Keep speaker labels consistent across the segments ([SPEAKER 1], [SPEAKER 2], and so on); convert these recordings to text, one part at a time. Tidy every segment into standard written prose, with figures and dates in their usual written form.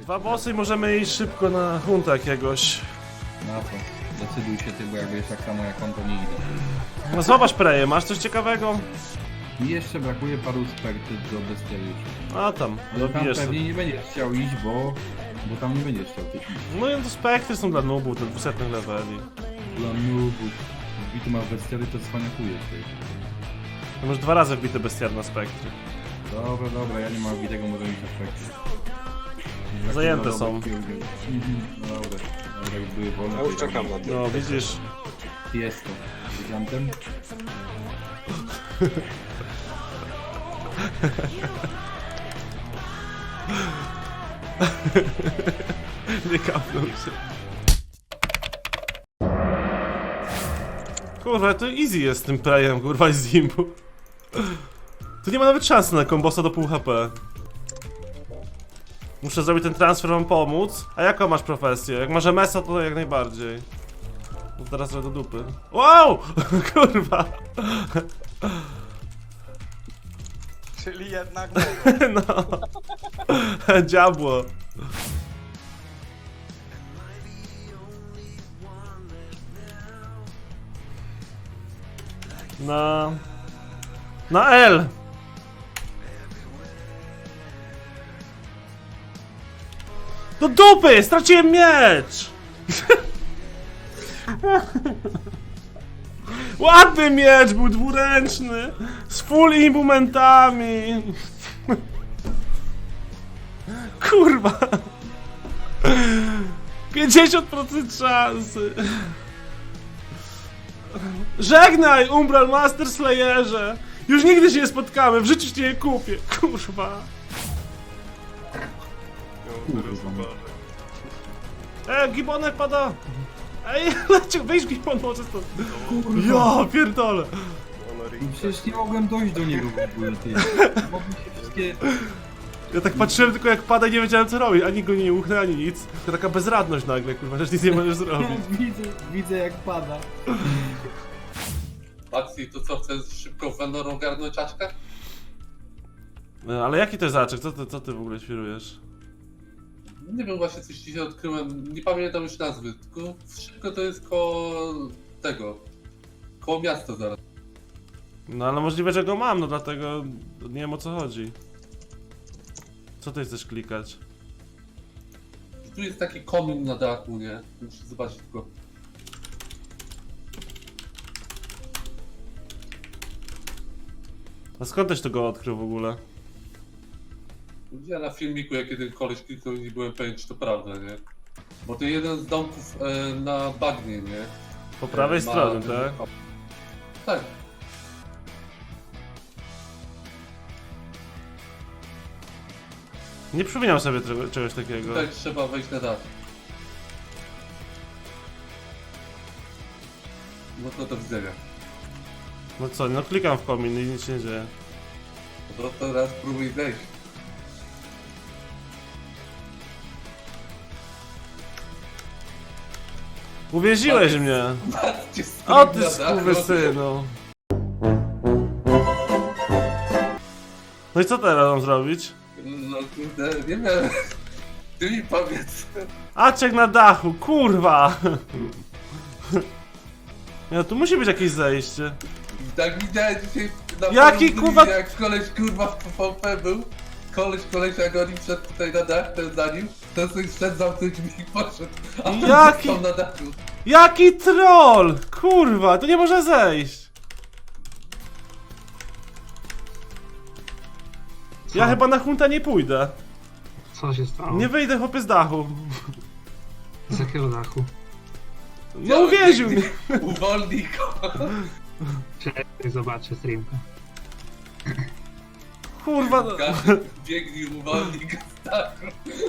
[SPEAKER 1] Dwa bossy i możemy iść szybko na hunta jakiegoś.
[SPEAKER 2] Na to. Decyduj się ty, bo jak wiesz tak samo jak on, to nie idę.
[SPEAKER 1] No zobacz Preję, masz coś ciekawego?
[SPEAKER 2] Mi jeszcze brakuje paru spektrów do bestiariuszy.
[SPEAKER 1] A tam,
[SPEAKER 2] Ale tam
[SPEAKER 1] dobijesz
[SPEAKER 2] pewnie
[SPEAKER 1] sobie.
[SPEAKER 2] nie będziesz chciał iść, bo tam nie będziesz chciał tych iść.
[SPEAKER 1] No i to spektry są dla nubów, te 200 leveli.
[SPEAKER 2] Dla nubów. I tu masz bestiary, to cwaniakujesz ty.
[SPEAKER 1] To masz 2 razy wbite bestiar na spektry.
[SPEAKER 2] Dobra, ja nie mam widego, może iść na spektry.
[SPEAKER 1] Zajęte są.
[SPEAKER 2] Dobra, jak były wolne.
[SPEAKER 3] Ja już czekam na to.
[SPEAKER 1] No widzisz.
[SPEAKER 2] Jest to. Gigantem?
[SPEAKER 1] Nie kapnął się. Kurwa, to easy jest z tym Prejem, kurwa, i z Zimbu. Tu nie ma nawet szansy na kombosa do pół HP. Muszę zrobić ten transfer, wam pomóc. A jaką masz profesję? Jak masz MS-a, to jak najbardziej. No teraz do dupy. Wow! Kurwa!
[SPEAKER 3] Czyli jednak
[SPEAKER 1] No. Diabło. Na L. Do dupy! Straciłem miecz! Ładny miecz, był dwuręczny! Z full imbumentami! Kurwa! 50% szansy! Żegnaj, Umbral Master Slayerze! Już nigdy się nie spotkamy, w życiu cię nie kupię, kurwa! Gibonek pada! Ej, leciu, wyjdź Gibon, może stąd! Ja pierdolę!
[SPEAKER 2] Przecież nie mogłem dojść do niego w ogóle, ty. Mogły się wszystkie...
[SPEAKER 1] Ja tak patrzyłem tylko jak pada i nie wiedziałem co robić, ani go nie uchnę, ani nic. To taka bezradność nagle, kurwa, że nic nie możesz zrobić.
[SPEAKER 2] Widzę jak pada.
[SPEAKER 4] Maxi, to co, chcesz szybko Vendor ogarnąć czaszkę?
[SPEAKER 1] No, ale jaki to jest zaczek? Co ty w ogóle świrujesz?
[SPEAKER 4] Nie wiem, właśnie coś dzisiaj odkryłem, nie pamiętam już nazwy, tylko szybko to jest koło tego, koło miasta zaraz.
[SPEAKER 1] No ale możliwe, że go mam, no dlatego nie wiem o co chodzi. Co ty chcesz klikać?
[SPEAKER 4] Tu jest taki komin na dachu, nie? Muszę zobaczyć tylko.
[SPEAKER 1] A skąd też to go odkrył w ogóle?
[SPEAKER 4] Ja na filmiku, jak jeden koleś kliknął, nie byłem pewien, czy to prawda, nie? Bo to jeden z domków na bagnie, nie?
[SPEAKER 1] Po prawej
[SPEAKER 4] Ma
[SPEAKER 1] stronie,
[SPEAKER 4] ten-
[SPEAKER 1] tak?
[SPEAKER 4] Tak.
[SPEAKER 1] Nie przypominam sobie czegoś takiego.
[SPEAKER 4] Tutaj trzeba wejść na dach. No to do widzenia.
[SPEAKER 1] No co, no klikam w komin i nic się nie dzieje.
[SPEAKER 4] No to teraz próbuj zejść.
[SPEAKER 1] Uwięziłeś mnie!
[SPEAKER 4] Patrzcie,
[SPEAKER 1] O ty
[SPEAKER 4] na dachu.
[SPEAKER 1] skurwysynu! No i co teraz mam zrobić?
[SPEAKER 4] No kurde, nie wiem. Ty mi powiedz.
[SPEAKER 1] Aczek na dachu, kurwa! Ja, tu musi być jakieś zejście.
[SPEAKER 4] Tak widziałem dzisiaj na
[SPEAKER 1] Jaki,
[SPEAKER 4] forum,
[SPEAKER 1] kurwa-
[SPEAKER 4] jak koleś kurwa w PvP był. Koleś jak oni wszedł tutaj na dach, ten za nim, to sobie wszedł, zamknął drzwi i poszedł. A ten
[SPEAKER 1] Jaki-
[SPEAKER 4] został na dachu.
[SPEAKER 1] Jaki troll! Kurwa, tu nie może zejść! Ja
[SPEAKER 5] Co?
[SPEAKER 1] chyba na hunta nie pójdę.
[SPEAKER 5] Co się stało?
[SPEAKER 1] Nie wyjdę chłopie z dachu.
[SPEAKER 5] Z jakiego dachu?
[SPEAKER 1] No uwięził mnie.
[SPEAKER 4] Uwolnij go.
[SPEAKER 5] Czekaj, zobaczę streamka.
[SPEAKER 1] Kurwa. No.
[SPEAKER 4] Każdy biegnij, uwolnij go z dachu.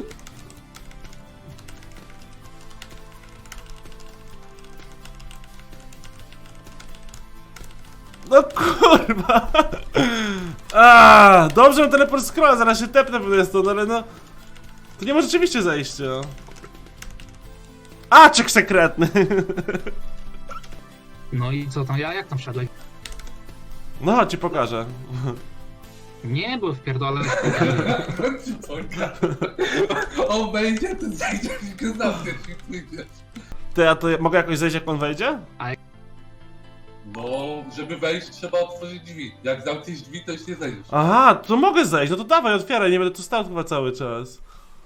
[SPEAKER 1] No kurwa. A, dobrze mam teleport scrolla, zaraz się tepnę pewnie stąd, ale no. To nie ma rzeczywiście zejścia. Aczek sekretny.
[SPEAKER 5] No i co tam, jak tam wszedłeś?
[SPEAKER 1] No chodź ci pokażę.
[SPEAKER 5] Nie, bo wpierdolę.
[SPEAKER 4] On wejdzie, ty zejdziesz i go zamkniesz i pójdziesz.
[SPEAKER 1] Ty, a to ja mogę jakoś zejść, jak on wejdzie?
[SPEAKER 4] No, żeby wejść, trzeba otworzyć drzwi. Jak zamkniesz drzwi, to już nie zejdziesz.
[SPEAKER 1] Aha, to mogę zejść, no to dawaj, otwieraj, nie będę tu stał chyba cały czas.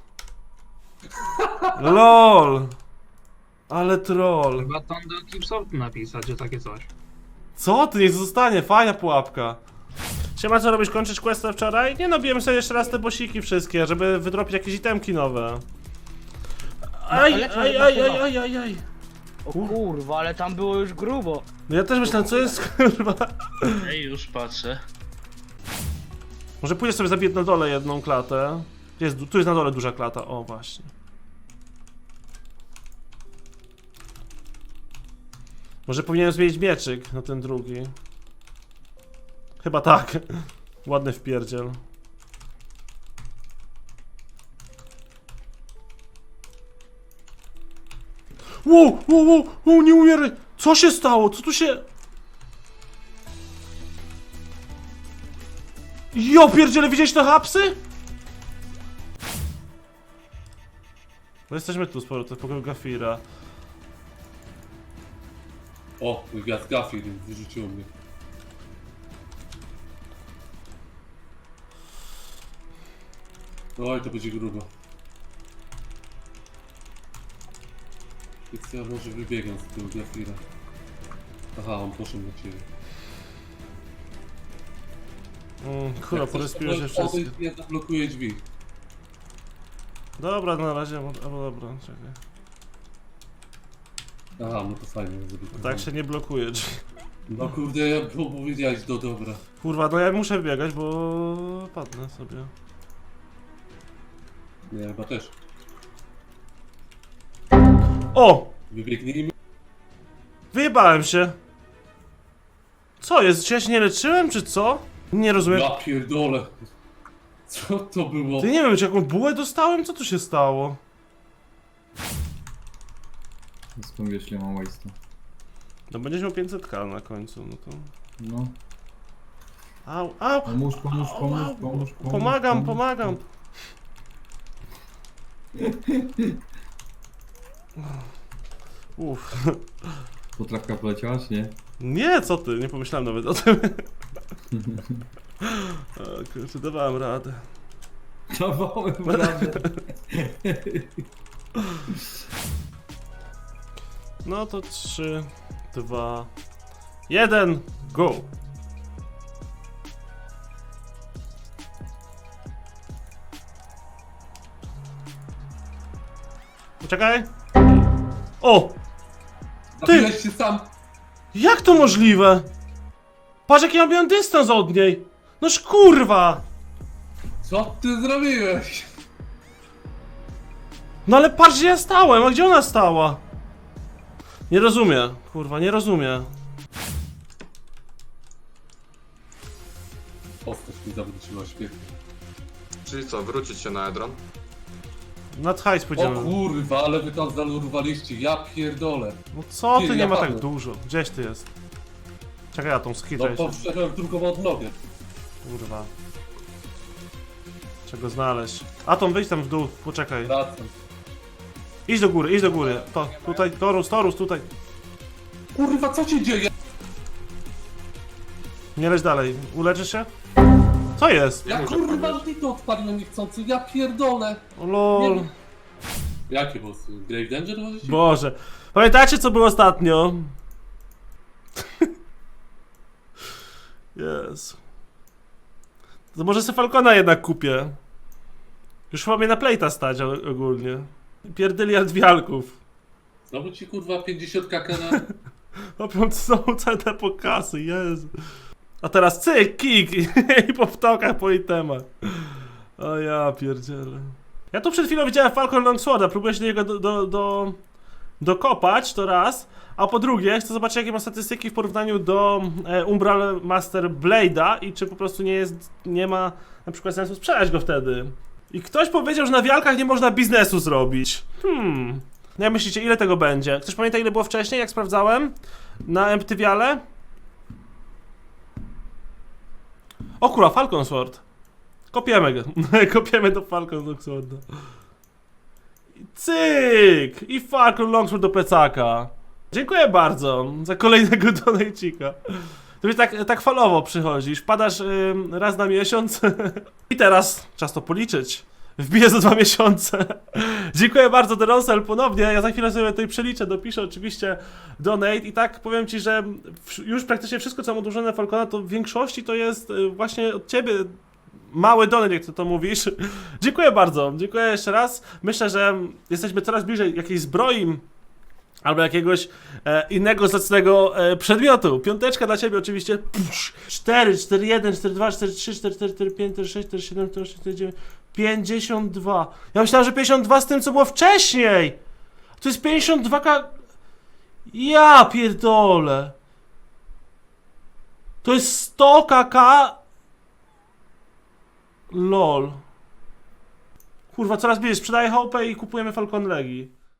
[SPEAKER 1] LOL. Ale troll.
[SPEAKER 5] Chyba tam do Clipsortu napisać, że takie coś.
[SPEAKER 1] Co ty, niech zostanie, fajna pułapka. Siema, co robisz, kończysz questę wczoraj? Nie no, biłem sobie jeszcze raz te bosiki wszystkie, żeby wydropić jakieś itemki nowe. Aj,
[SPEAKER 6] ale
[SPEAKER 1] aj,
[SPEAKER 6] to
[SPEAKER 1] aj,
[SPEAKER 6] chyba.
[SPEAKER 1] aj, aj, aj, aj.
[SPEAKER 6] O kurwa, ale tam było już grubo.
[SPEAKER 1] No ja też myślałem, co jest, kurwa.
[SPEAKER 7] Ej, już patrzę.
[SPEAKER 1] Może pójdę sobie zabiję na dole jedną klatę. Tu jest na dole duża klata, o właśnie. Może powinienem zmienić mieczyk na ten drugi. Chyba tak. Ładny wpierdziel. Wow, wow, wow, wow, nie umieraj! Co się stało? Co tu się... Jo, pierdziele, widziałeś te hapsy? No jesteśmy tu sporo, to pokoju Gafira.
[SPEAKER 4] O, gwiazd Gafir wyrzuciło mnie. Oj, to będzie grubo. Więc ja może wybiegam z tego Gafira. Aha, on poszedł na ciebie.
[SPEAKER 1] Kurwa, porespiło się wszystko.
[SPEAKER 4] Nie zablokuje drzwi.
[SPEAKER 1] Dobra, na razie, albo dobra, czekaj.
[SPEAKER 4] Aha, no to fajnie zrobić.
[SPEAKER 1] Tak się nie blokuje drzwi.
[SPEAKER 4] No kurde, ja powiedziałeś, no dobra.
[SPEAKER 1] Kurwa, no ja muszę wybiegać, bo padnę sobie.
[SPEAKER 4] Nie, chyba też.
[SPEAKER 1] O!
[SPEAKER 4] Wybiegnijmy.
[SPEAKER 1] Wyjebałem się. Co jest? Czy ja się nie leczyłem, czy co? Nie rozumiem.
[SPEAKER 4] Ja pierdolę. Co to było?
[SPEAKER 1] Ty nie wiem, czy jaką bułę dostałem? Co tu się stało?
[SPEAKER 2] Skąd wiesz, ile mam waste'u?
[SPEAKER 1] No będziesz miał 500k na końcu, no to...
[SPEAKER 2] No.
[SPEAKER 1] Au, au!
[SPEAKER 2] Pomóż, pomóż, pomóż, pomóż, pomóż.
[SPEAKER 1] Pomagam,
[SPEAKER 2] pomóż.
[SPEAKER 1] pomagam! Uff.
[SPEAKER 2] Potrawka poleciała, czy nie?
[SPEAKER 1] Nie, co ty? Nie pomyślałem nawet o tym. O kurczę, dawałem radę.
[SPEAKER 2] Dawałem radę.
[SPEAKER 1] No to 3, 2, 1, go! Poczekaj! O!
[SPEAKER 4] Zabiłeś się sam.
[SPEAKER 1] Jak to możliwe? Patrz jaki ja miałem dystans od niej! Noż kurwa!
[SPEAKER 4] Co ty zrobiłeś?
[SPEAKER 1] No ale patrz gdzie ja stałem, a gdzie ona stała? Nie rozumiem, kurwa, nie rozumiem.
[SPEAKER 4] Postać mi zawróciła świetnie.
[SPEAKER 8] Czyli co, wrócić się na Edron?
[SPEAKER 1] Nad hajs
[SPEAKER 4] O
[SPEAKER 1] pójdziemy.
[SPEAKER 4] kurwa, ale wy tam zalurwaliście, ja pierdolę.
[SPEAKER 1] No co ty,
[SPEAKER 4] Ty,
[SPEAKER 1] nie
[SPEAKER 4] ja
[SPEAKER 1] ma tak
[SPEAKER 4] padłem.
[SPEAKER 1] dużo. Gdzieś ty jest? Czekaj, ja tą
[SPEAKER 4] No
[SPEAKER 1] skitrę się.
[SPEAKER 4] powszechnie w drugą odnogę.
[SPEAKER 1] Kurwa. Czego znaleźć? Atom, wyjdź tam w dół, poczekaj.
[SPEAKER 4] Wracam.
[SPEAKER 1] Idź do góry, idź do góry. To, tutaj, Torus, tutaj.
[SPEAKER 4] Kurwa, co się dzieje?
[SPEAKER 1] Nie leć dalej. Uleczysz się? Co jest?
[SPEAKER 4] Ja kurwa to odpaliłem niechcący, ja pierdolę.
[SPEAKER 1] O lol.
[SPEAKER 4] Nie. Jakie bossy? Grave Danger możecie?
[SPEAKER 1] Boże. Pamiętacie co było ostatnio? Jezu. To może se Falcona jednak kupię. Już chyba mnie na plejta stać ogólnie. Pierdyliard wialków.
[SPEAKER 4] Znowu ci kurwa 50 kk na...
[SPEAKER 1] Opią znowu całe te pokasy, Jezu. A teraz cyk, kik i po wtokach po itemach. O ja pierdzielę. Ja tu przed chwilą widziałem Falcon Longsworda, próbuję się do niego dokopać, to raz. A po drugie, chcę zobaczyć jakie ma statystyki w porównaniu do Umbral Master Blade'a i czy po prostu nie ma na przykład sensu sprzedać go wtedy. I ktoś powiedział, że na wialkach nie można biznesu zrobić. No jak myślicie, ile tego będzie? Ktoś pamięta ile było wcześniej, jak sprawdzałem? Na Empty Viale? O kurwa, Falcon Sword. Kopiemy go. Kopiemy do Falcon Longsworda. Cyk! I Falcon Longsword do plecaka. Dziękuję bardzo za kolejnego donajcika. To mi tak falowo przychodzisz, wpadasz raz na miesiąc i teraz czas to policzyć. Wbiję za 2 miesiące. Dziękuję bardzo, Derosel, ponownie. Ja za chwilę sobie tutaj przeliczę, dopiszę oczywiście donate i tak powiem ci, że już praktycznie wszystko, co mam odłożone Falcona, to w większości to jest właśnie od ciebie mały donate, jak ty to mówisz. Dziękuję bardzo, dziękuję jeszcze raz. Myślę, że jesteśmy coraz bliżej jakiejś zbroi albo jakiegoś innego zacnego przedmiotu. Piąteczka dla ciebie oczywiście. 4, 4, 1, 4, 2, 4, 3, 4, 4, 4, 5, 4, 6, 4, 7, 4, 6, 4, 9, 52. Ja myślałem, że 52 z tym, co było wcześniej. To jest 52k... Ja pierdolę. To jest 100 kk... LOL. Kurwa, coraz bliżej. Sprzedaję hopę i kupujemy Falcon Legi.